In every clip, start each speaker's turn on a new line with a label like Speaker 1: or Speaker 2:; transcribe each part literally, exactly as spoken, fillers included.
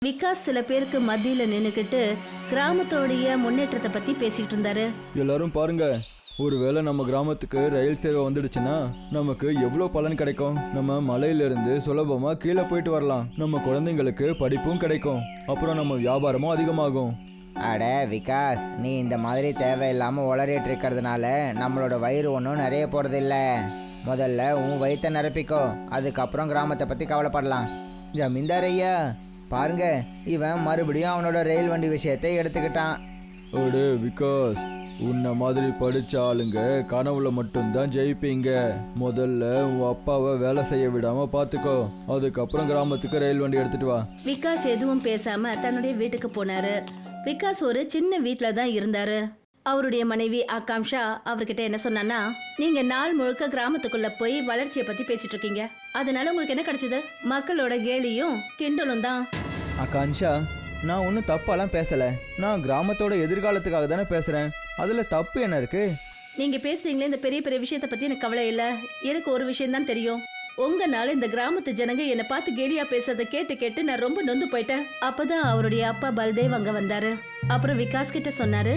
Speaker 1: விகாஸ் சில பேருக்கு மத்தியில நின்னுக்கிட்டு கிராமத்தோடைய முன்னேற்றத்தை பத்தி பேசிட்டு இருந்தாரு.
Speaker 2: எல்லாரும் பாருங்க, ஒருவேளை நம்ம கிராமத்துக்கு ரயில் சேவை வந்துடுச்சுன்னா நமக்கு எவ்வளோ பலன் கிடைக்கும். நம்ம மலையிலிருந்து சுலபமா கீழே போயிட்டு வரலாம். நம்ம குழந்தைங்களுக்கு படிப்பும் கிடைக்கும். அப்புறம் நம்ம வியாபாரமும் அதிகமாகும்.
Speaker 3: அட விகாஸ், நீ இந்த மாதிரி தேவையில்லாமல் உளறிட்டு இருக்கிறதுனால நம்மளோட வயிறு ஒன்றும் நிறைய போகிறதில்ல. முதல்ல உன் வயிற்றை நிரப்பிக்கோ, அதுக்கப்புறம் கிராமத்தை பற்றி கவலைப்படலாம். ஜமீன்தார் ஐயா பாருங்க, இவன் மறுபடியும் அவனோட ரயில் வண்டி விஷயத்தை எடுத்துக்கிட்டான்.
Speaker 2: அடே விகாஸ், உன்னை மாதிரி படிச்ச ஆளுங்க கனவுல மட்டும்தான் ஜெயிப்பீங்க. முதல்ல உன் அப்பாவை வேலை செய்ய விடாம பாத்துக்கோ, அதுக்கப்புறம் கிராமத்துக்கு ரயில் வண்டி எடுத்துட்டு வா.
Speaker 1: விகாஸ் எதுவும் பேசாம தன்னுடைய வீட்டுக்கு போனாரு. விகாஸ் ஒரு சின்ன வீட்டுல தான் இருந்தாரு. அவருடைய மனைவி ஆகாம்ஷா அவர்கிட்ட என்ன சொன்னான்னா, நீங்க நாள் முழுக்க கிராமத்துக்குள்ள போய் வளர்ச்சியை பத்தி பேசிட்டு இருக்கீங்க. அதனால உங்களுக்கு என்ன கிடைச்சது? மக்களோட கேலியும் கிண்டலும் தான்.
Speaker 2: ஆகாம்ஷா, நான் ஒன்றும் தப்பாலாம் பேசல. நான் கிராமத்தோட எதிர்காலத்துக்காக தானே பேசுறேன். அதுல தப்பு என்ன இருக்கு?
Speaker 1: நீங்க பேசுறீங்களே இந்த பெரிய பெரிய விஷயத்த பத்தி எனக்கு கவலை இல்ல. எனக்கு ஒரு விஷயம் தான் தெரியும். உங்கனால இந்த கிராமத்து ஜனங்க என்னை பார்த்து கேலியா பேசுறதை கேட்டு கேட்டு நான் ரொம்ப நொந்து போயிட்டேன். அப்பதான் அவருடைய அப்பா பல்தேவ் அங்க வந்தாரு. அப்புறம் விகாஸ் கிட்ட சொன்னாரு,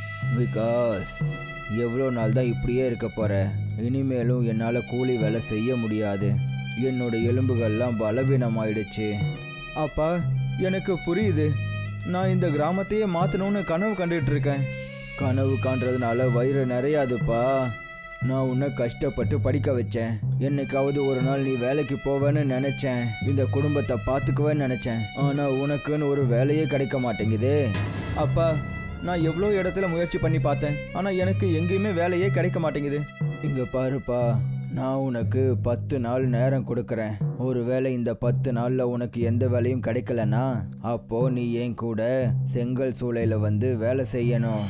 Speaker 3: விகாஸ், எவ்வளோ நாள் தான் இப்படியே இருக்க போற? இனிமேலும் என்னால் கூலி வேலை செய்ய முடியாது. என்னோட எலும்புகள்லாம் பலவீனமாயிடுச்சு.
Speaker 2: அப்பா, எனக்கு புரியுது. நான் இந்த கிராமத்தையே மாற்றணும்னு கனவு கண்டுகிட்டு இருக்கேன்.
Speaker 3: கனவு காண்றதுனால வயிறு நிறையாதுப்பா. நான் உன்னை கஷ்டப்பட்டு படிக்க வச்சேன். என்னைக்காவது ஒரு நாள் நீ வேலைக்கு போவேன்னு நினச்சேன். இந்த குடும்பத்தை பார்த்துக்குவேன்னு நினச்சேன். ஆனால் உனக்குன்னு ஒரு வேலையே கிடைக்க மாட்டேங்குது.
Speaker 2: அப்பா, நான் எவ்வளோ இடத்துல முயற்சி பண்ணி பார்த்தேன், ஆனால் எனக்கு எங்கேயுமே வேலையே கிடைக்க மாட்டேங்குது.
Speaker 3: இங்கே பாருப்பா, நான் உனக்கு பத்து நாள் நேரம் கொடுக்குறேன். ஒரு வேளை இந்த பத்து நாளில் உனக்கு எந்த வேலையும் கிடைக்கலன்னா அப்போ நீ என் கூட செங்கல் சூளையில் வந்து வேலை செய்யணும்.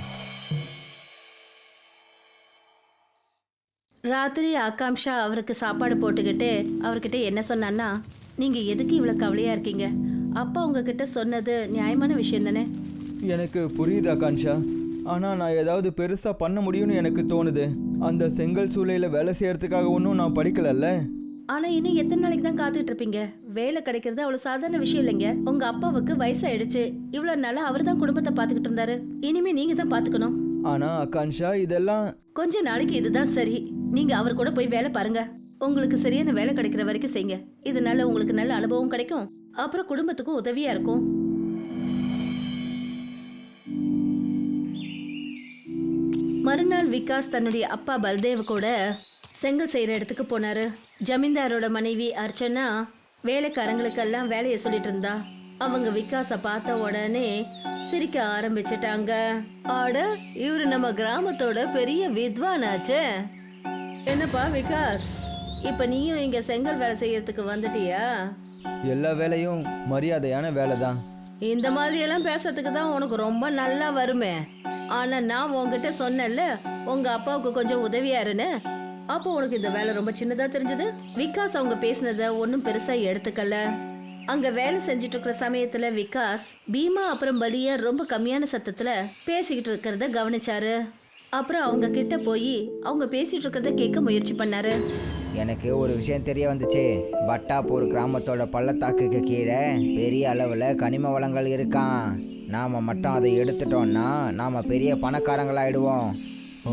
Speaker 1: ராத்திரி ஆகாம்ஷா அவருக்கு சாப்பாடு போட்டுக்கிட்டு அவர்கிட்ட என்ன சொன்னான்னா, நீங்க எதுக்கு இவ்வளவு கவலையா இருக்கீங்க? அப்பா உங்ககிட்ட சொன்னது நியாயமான விஷயம் தானே?
Speaker 2: எனக்கு புரியுது ஆகாம்ஷா, ஆனால் நான் ஏதாவது பெருசாக பண்ண முடியும்னு எனக்கு தோணுது. அந்த செங்கல் சூளையில் வேலை செய்யறதுக்காக ஒன்றும் நான் படிக்கலல்ல.
Speaker 1: ஆனா இன்னும் எத்தனை நாளைக்கு தான் காத்துட்டு இருப்பீங்க? வேலை கிடைக்கிறது அவ்வளவு சாதாரண விஷயம் இல்லைங்க. உங்க அப்பாவுக்கு வயசாயிடுச்சு. இவ்வளவு நாளா அவர் தான் குடும்பத்தை பாத்துக்கிட்டு இருந்தாரு. இனிமே நீங்க தான் பாத்துக்கணும்.
Speaker 2: ஆனா ஆகாம்ஷா, இதெல்லாம்
Speaker 1: கொஞ்ச நாளைக்கு இதுதான் சரி. நீங்க அவர் கூட போய் வேலை பாருங்க. உங்களுக்கு சரியான வேலை கிடைக்கிற வரைக்கும் செய்யுங்க. இதனால உங்களுக்கு நல்ல அனுபவம் கிடைக்கும். அப்புறம் குடும்பத்துக்கும் உதவியா இருக்கும். மறுநாள் விகாஸ் தன்னுடைய அப்பா பல்தேவ் கூட செங்கல் செய்யற இடத்துக்கு போனாரு. ஜமீன்தாரோட மனைவி அர்ச்சனா வேலைக்காரங்களுக்கெல்லாம் வேலையை சொல்லிட்டு இருந்தா. அவங்க விகாஸ பார்த்த உடனே சிரிக்க ஆரம்பிச்சிட்டாங்க. ஆட, இவரு நம்ம கிராமத்தோட பெரிய வித்வானாச்சே. என்னப்பா விகாஸ், இப்ப நீயும் இங்க செங்கல் வேலை செய்யறதுக்கு வந்துட்டியா?
Speaker 2: எல்லா வேலையும் மரியாதையான வேலை தான்.
Speaker 1: இந்த மாதிரி எல்லாம் பேசுறதுக்கு தான் உனக்கு ரொம்ப நல்லா வருமே. ஆனா நான் உங்ககிட்ட சொன்னேன்ல, உங்க அப்பாவுக்கு கொஞ்சம் உதவியாருன்னு. அப்போ உனக்கு இந்த வேலை ரொம்ப சின்னதா தெரிஞ்சது. விகாஸ் அவங்க பேசினத ஒன்னும் பெருசா எடுத்துக்கல. அங்க வேலை செஞ்சுட்டு இருக்கிற சமயத்துல விகாஸ் பீமா அப்புறம் பலியா ரொம்ப கம்மியான சத்தத்துல பேசிக்கிட்டு இருக்கிறத கவனிச்சாரு. அப்புறம் அவங்க கிட்ட போய் அவங்க பேசிட்டு இருக்கிறத கேட்க முயற்சி பண்ணாரு.
Speaker 3: எனக்கு ஒரு விஷயம் தெரிய வந்துச்சு. பட்டாப்பூர் கிராமத்தோட பள்ளத்தாக்குக்கு கீழே பெரிய அளவில் கனிம வளங்கள் இருக்கான். நாம் மட்டும் அதை எடுத்துட்டோம்னா நாம் பெரிய பணக்காரங்களாயிடுவோம்.
Speaker 2: ஆ,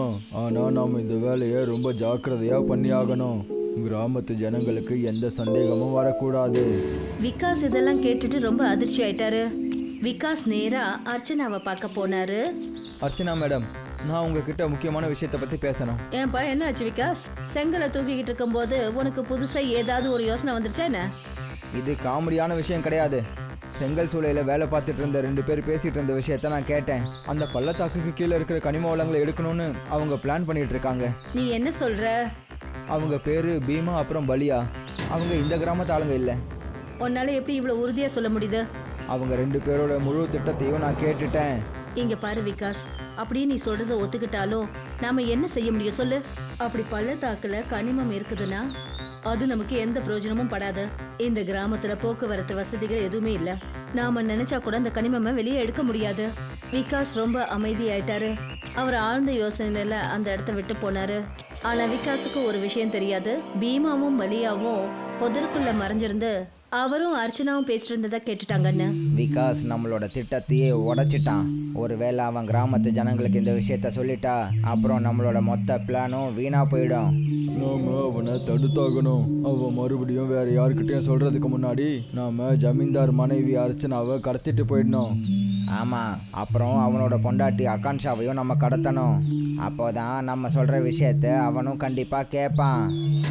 Speaker 2: ஆனால் நாம் இந்த வேலையை ரொம்ப ஜாக்கிரதையாக பண்ணி ஆகணும். கிராமத்து ஜனங்களுக்கு எந்த சந்தேகமும் வரக்கூடாது.
Speaker 1: விகாஸ் இதெல்லாம் கேட்டுட்டு ரொம்ப அதிர்ச்சி ஆயிட்டாரு. விகாஸ் நேரா அர்ச்சனாவை பார்க்க போனாரு.
Speaker 2: அர்ச்சனா மேடம், நான் உங்ககிட்ட முக்கியமான விஷயத்தை பற்றி பேசணும்.
Speaker 1: ஏன்பா, என்ன ஆச்சு விகாஸ்? செங்கலை தூக்கிக்கிட்டு இருக்கும் போது உனக்கு புதுசா ஏதாவது ஒரு யோசனை வந்துருச்சா என்ன?
Speaker 3: இது காமெடியான விஷயம் கிடையாது. செங்கல் சூளையில் வேலை பார்த்துட்டு இருந்த ரெண்டு பேர் பேசிகிட்டு இருந்த விஷயத்த நான் கேட்டேன். அந்த பள்ளத்தாக்குக்கு கீழே இருக்கிற கனிம வளங்களை எடுக்கணும்னு அவங்க பிளான் பண்ணிட்டு இருக்காங்க.
Speaker 1: நீ என்ன சொல்ற?
Speaker 2: அவங்க பேரு பீமா அப்புறம் பலியா. அவங்க இந்த கிராமத்து ஆளுங்க இல்லை.
Speaker 1: உன்னால எப்படி இவ்வளவு உறுதியா சொல்ல முடியுது?
Speaker 3: அவங்க ரெண்டு பேரோட முழு திட்டத்தையும் நான் கேட்டுட்டேன்.
Speaker 1: இங்க பாரு விகாஸ், அப்படியே நீ சொல்றத ஒத்துக்கிட்டாலும் நாம என்ன செய்ய முடியும் சொல்லு? அப்படி பள்ளத்தாக்குல கனிமம் இருக்குதுன்னா அது நமக்கு எந்த பிரயோஜனமும் படாது. இந்த கிராமத்துல போக்குவரத்து வசதிகள் எதுவுமே இல்ல. நாம நினைச்சா கூட அந்த கனிமமை வெளியே எடுக்க முடியாது. விகாஸ் ரொம்ப அமைதியாயிட்டாரு. அவர் ஆழ்ந்த யோசனையில அந்த இடத்த விட்டு போனாரு. ஆனா விகாஸுக்கு ஒரு விஷயம் தெரியாது. பீமாவும் பலியாவும் புதருக்குள்ள மறைஞ்சிருந்து அவரும் அர்ச்சனாவும் பேசிட்டு இருந்ததை கேட்டுட்டாங்கன்னு.
Speaker 3: விகாஸ் நம்மளோட திட்டத்தையே உடைச்சிட்டான். ஒருவேளை அவன் கிராமத்து ஜனங்களுக்கு இந்த விஷயத்த சொல்லிட்டா அப்புறம் நம்மளோட மொத்த பிளானும் வீணா போயிடும்.
Speaker 2: நாம அவனை தடுத்தாகணும். அவன் மறுபடியும் வேற யாருக்கிட்டையும் சொல்றதுக்கு முன்னாடி நாம ஜமீன்தார் மனைவி அர்ச்சனாவை கடத்திட்டு போயிடணும்.
Speaker 3: ஆமாம், அப்புறம் அவனோட பொண்டாட்டி ஆகாங்ஷாவையும் நம்ம கடத்தணும். அப்போதான் நம்ம சொல்கிற விஷயத்த அவனும் கண்டிப்பாக கேட்பான்.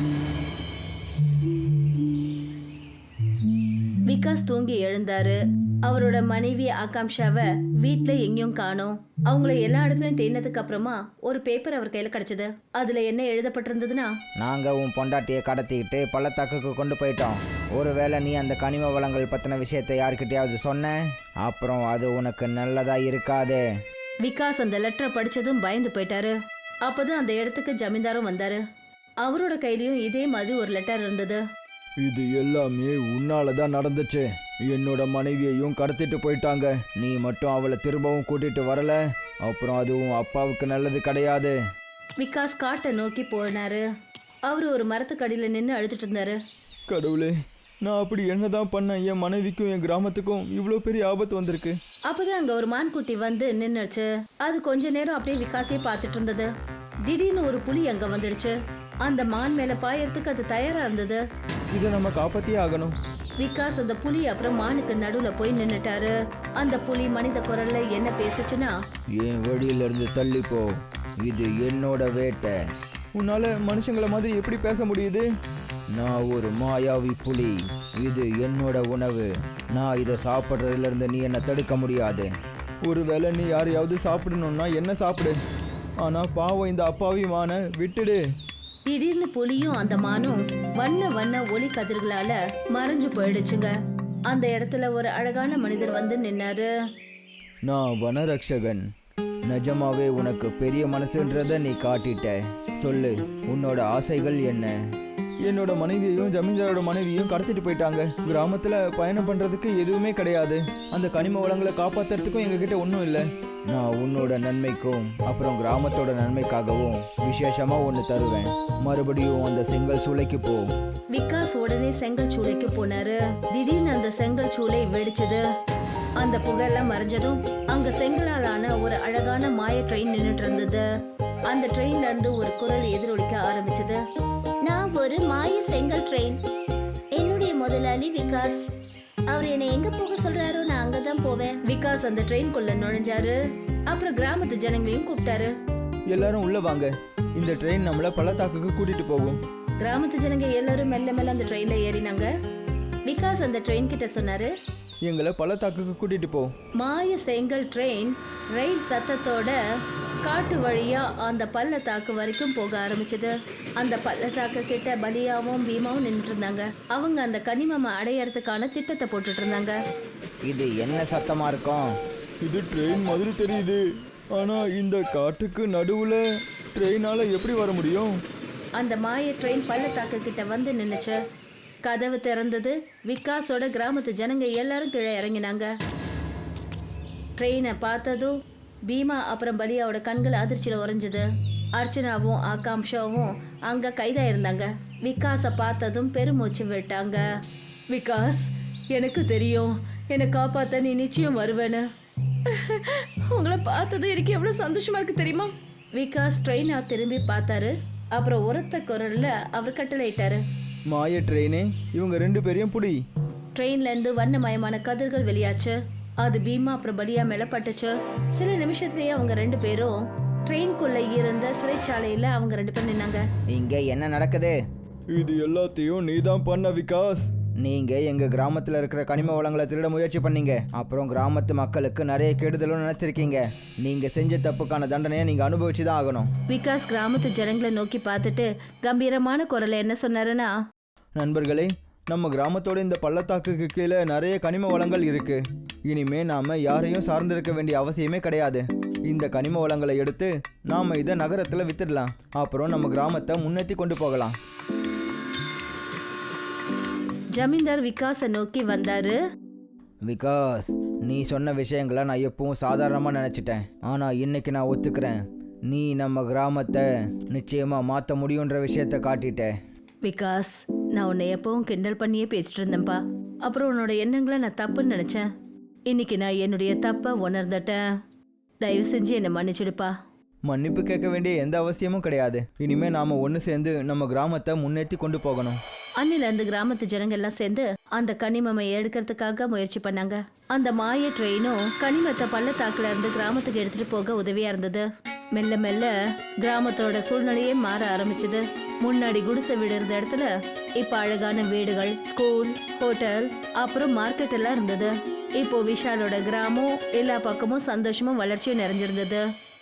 Speaker 1: விகாஸ் தூங்கி எழுந்தாரு. அவரோட மனைவி ஆகாங்ஷாவை வீட்ல எங்கேயும் காணோம். அவங்கள எல்லா இடத்துலயும் தேடினதுக்கு அப்புறமா ஒரு பேப்பர் அவர் கையில கிடைச்சது. அதுல என்ன எழுதப்பட்டிருந்ததுன்னா,
Speaker 3: நாங்கள் உன் பொண்டாட்டியை கடத்திக்கிட்டு பள்ளத்தாக்குக்கு கொண்டு போயிட்டோம். ஒருவேளை நீ அந்த கனிம வளங்கள் பற்றின விஷயத்தை யார்கிட்டயாவது சொன்ன அப்புறம் அது உனக்கு நல்லதா இருக்காது.
Speaker 1: விகாஸ் அந்த லெட்டரை படிச்சதும் பயந்து போயிட்டாரு. அப்போதான் அந்த இடத்துக்கு ஜமீன்தாரும் வந்தாரு. அவரோட கையிலயும் இதே மாதிரி ஒரு லெட்டர் இருந்தது.
Speaker 2: இது எல்லாமே உன்னால தான் நடந்துச்சு. என்னோட மனைவியையும் கடத்திட்டு போயிட்டாங்க. நீ மட்டும் அவளை திரும்பவும் கூட்டிட்டு வரல அப்புறம் அதுவும் அப்பாவுக்கு நல்லது கிடையாது.
Speaker 1: விகாஸ் காட்டை நோக்கி போனாரு. அவரு ஒரு மரத்துக்கடியில நின்று அழுதுட்டு இருந்தாரு.
Speaker 2: கடவுளே, நான் அப்படி என்னதான் பண்ணேன்? என் மனைவிக்கும் என் கிராமத்துக்கும் இவ்வளோ பெரிய ஆபத்து வந்திருக்கு.
Speaker 1: அப்பதான் அங்க ஒரு மான்குட்டி வந்து நின்னுச்சு. அது கொஞ்ச நேரம் அப்படியே விகாஸே பார்த்துட்டு இருந்தது. திடீர்னு ஒரு புலி அங்க வந்துடுச்சு. அந்த மான் மேல பாயறதுக்கு அது தயாரா இருந்தது.
Speaker 2: இதை நம்ம காப்பாத்தியே ஆகணும்.
Speaker 1: விகாஸ் அந்த புலி அப்புறம் மானுக்கு நடுவுல போய் நின்னுட்டாரு. அந்த புலி மனித குரல்ல என்ன பேசுச்சுன்னா,
Speaker 2: என் வழியில இருந்து தள்ளிப்போ, இது என்னோட வேட்டை. உன்னால மனுஷங்கள மாதிரி எப்படி பேச முடியுது? நான் ஒரு மாயாவி புலி. இது என்னோட உணவு. நான் இதை சாப்பிட்றதுல இருந்து நீ என்னை தடுக்க முடியாது. ஒருவேளை நீ யாரையாவது சாப்பிடணும்னா என்ன சாப்பிடு. ஆனா பாவம் இந்த அப்பாவி மானை விட்டுடு.
Speaker 1: திடீர்னு புலியும் அந்த மானும் வண்ண வண்ண ஒளி கதிர்களால மறைஞ்சு போயிடுச்சுங்க. அந்த இடத்துல ஒரு அழகான மனிதர் வந்து நின்னாரு.
Speaker 2: நான் வனரக்ஷகன். நிஜமாவே உனக்கு பெரிய மனசுன்றத நீ காட்டிட்ட. சொல்லு, உன்னோட ஆசைகள் என்ன? என்னோட மனைவியையும் ஜமீன்தாரோட மனைவியும் கடத்திட்டு போயிட்டாங்க. கிராமத்துல பயணம் பண்றதுக்கு எதுவுமே கிடையாது. அந்த கனிம வளங்களை காப்பாத்துறதுக்கும் எங்ககிட்ட ஒன்றும் இல்லை. நான் உன்னோட நன்மைக்கும் அப்புறம் கிராமத்தோட நன்மைக்காகவும் விசேஷமா ஒன்று தருவேன். மறுபடியும் அந்த செங்கல் சூளைக்கு போ.
Speaker 1: விகாஸ் உடனே செங்கல் சூளைக்கு போனாரு. திடீர்னு அந்த செங்கல் சூளை வெடிச்சது. அந்த புகையெல்லாம் மறைஞ்சதும் அங்க செங்கலாலான ஒரு அழகான மாய ட்ரெயின் நின்றுட்டு இருந்தது. அந்த ட்ரெயின்ல இருந்து ஒரு குரல் எதிரொலிக்க ஆரம்பிச்சது.
Speaker 4: நான் ஒரு மாய செங்கல் ட்ரெயின். என்னுடைய முதலாளி விகாஸ். அவர் என்னை எங்க போக சொல்றாரோ நான் அங்கதான் போவேன்.
Speaker 1: விகாஸ் அந்த ட்ரெயின்குள்ள நுழைஞ்சாரு. அப்புறம் கிராமத்து ஜனங்களையும் கூப்பிட்டாரு.
Speaker 2: எல்லாரும் உள்ள வாங்க. இந்த ட்ரெயின் நம்மள பள்ளத்தாக்குக்கு கூட்டிட்டு போகும்.
Speaker 1: கிராமத்து ஜனங்க எல்லாரும் மெல்ல மெல்ல அந்த ட்ரெயின்ல ஏறினாங்க. விகாஸ் அந்த ட்ரெயின் கிட்ட சொன்னாரு,
Speaker 2: எங்களை பள்ளத்தாக்குக்கு கூட்டிட்டு போ.
Speaker 1: மாய செங்கல் ட்ரெயின் ரயில் சத்தத்தோட காட்டு வழியா அந்த பள்ளத்தாக்கு வரைக்கும் போக ஆரம்பிச்சது. அந்த பள்ளத்தாக்கு கிட்ட பலியாவும் பீமாவும் நின்றுட்டு இருந்தாங்க. அவங்க அந்த கனிமம் அடையறதுக்கான திட்டத்தை போட்டுட்டு இருந்தாங்க.
Speaker 3: இது என்ன சத்தமா இருக்கும்?
Speaker 2: இது ட்ரெயின் மாதிரி தெரியுது. ஆனா இந்த காட்டுக்கு நடுவுல ட்ரெயினால எப்படி வர முடியும்?
Speaker 1: அந்த மாய ட்ரெயின் பள்ளத்தாக்கு கிட்ட வந்து நின்னுச்சு. கதவு திறந்தது. விகாஸோட கிராமத்து ஜனங்க எல்லாரும் கீழே இறங்கினாங்க. ட்ரெயினை பார்த்ததும் பீமா அப்புறம் பலியாவோட கண்கள் அதிர்ச்சியில் உறைஞ்சது. அர்ச்சனாவும் ஆகாங்ஷாவும் அங்கே கைதாக இருந்தாங்க. விகாஸை பார்த்ததும் பெருமூச்சு விட்டாங்க. விகாஸ், எனக்கு தெரியும் என்னை காப்பாற்ற நீ நிச்சயம் வருவேன்னு. உங்களை பார்த்தது எனக்கு எவ்வளோ சந்தோஷமா இருக்கு தெரியுமா? விகாஸ் ட்ரெயினை திரும்பி பார்த்தாரு. அப்புறம் உரத்த குரல்ல அவர் கட்டளையிட்டாரு,
Speaker 2: மாய ட்ரெயினே, இவங்க ரெண்டு பேரையும் புடி.
Speaker 1: ட்ரெயின்லேருந்து வண்ணமயமான கதிர்கள் வெளியாச்சு. அது பீமா அப்புறம் பலியா மேல பட்டுச்சு. சில நிமிஷத்துலயே அவங்க ரெண்டு பேரும் ட்ரெயின்குள்ள இருந்த சிறைச்சாலையில அவங்க ரெண்டு பேரும் நின்னாங்க.
Speaker 3: இங்க என்ன நடக்குது?
Speaker 2: இது எல்லாத்தையும் நீதான் பண்ண விகாஸ்.
Speaker 3: நீங்க எங்க கிராமத்துல இருக்கிற கனிம வளங்களை திருட முயற்சி பண்ணீங்க. அப்புறம் கிராமத்து மக்களுக்கு நிறைய கெடுதலும் நினைச்சிருக்கீங்க. நீங்க செஞ்ச தப்புக்கான தண்டனையை நீங்க அனுபவிச்சுதான் ஆகணும்.
Speaker 1: விகாஸ் கிராமத்து ஜனங்களை நோக்கி பார்த்துட்டு கம்பீரமான குரல்ல என்ன சொன்னாருன்னா,
Speaker 2: நண்பர்களே, நம்ம கிராமத்தோட இந்த பள்ளத்தாக்குக்கு கீழே நிறைய கனிம வளங்கள் இருக்கு. இனிமே நாம யாரையும் சார்ந்திருக்க வேண்டிய அவசியமே கிடையாது. இந்த கனிம வளங்களை எடுத்து நாம இதை நகரத்துல வித்துடலாம். அப்புறம் நம்ம கிராமத்தை முன்னேற்றி கொண்டு போகலாம்.
Speaker 1: ஜமீன்தார் விகாஸை நோக்கி வந்தாரு.
Speaker 3: விகாஸ், நீ சொன்ன விஷயங்களை நான் எப்பவும் சாதாரணமாக நினச்சிட்டேன். ஆனால் இன்னைக்கு நான் ஒத்துக்கிறேன். நீ நம்ம கிராமத்தை நிச்சயமாக மாற்ற முடியுன்ற விஷயத்த காட்டிட்ட.
Speaker 1: விகாஸ், நான் உன்னை எப்பவும் கிண்டல் பண்ணியே பேசிட்டு இருந்தேன்ப்பா. அப்புறம் உன்னோட எண்ணங்களை நான் தப்புன்னு நினைச்சேன். இன்னைக்கு நான் என்னுடைய தப்பை உணர்ந்துட்டேன். தயவு செஞ்சு என்னை மன்னிச்சிடுப்பா.
Speaker 2: மன்னிப்பு கேட்க வேண்டிய எந்த அவசியமும் கிடையாது. இனிமே நாம ஒன்று சேர்ந்து நம்ம கிராமத்தை முன்னேற்றி கொண்டு போகணும்.
Speaker 1: அன்னில அந்த கிராமத்து ஜனங்க எல்லாம் சேர்ந்து அந்த கனிமமை எடுக்கிறதுக்காக முயற்சி பண்ணாங்க. அந்த மாய ட்ரெயினும் கனிமத்தை பள்ளத்தாக்குல இருந்து கிராமத்துக்கு எடுத்துட்டு போக உதவியா இருந்தது. மெல்ல மெல்ல கிராமத்தோட சூழ்நிலையே மாற ஆரம்பிச்சது. முன்னாடி குடிசை வீடு இருந்த இடத்துல இப்ப அழகான வீடுகள், ஸ்கூல், ஹோட்டல், அப்புறம் மார்க்கெட் எல்லாம் இருந்தது. இப்போ விஷாலோட கிராமம் எல்லா பக்கமும் சந்தோஷமும் வளர்ச்சியும் நிறைஞ்சிருந்தது.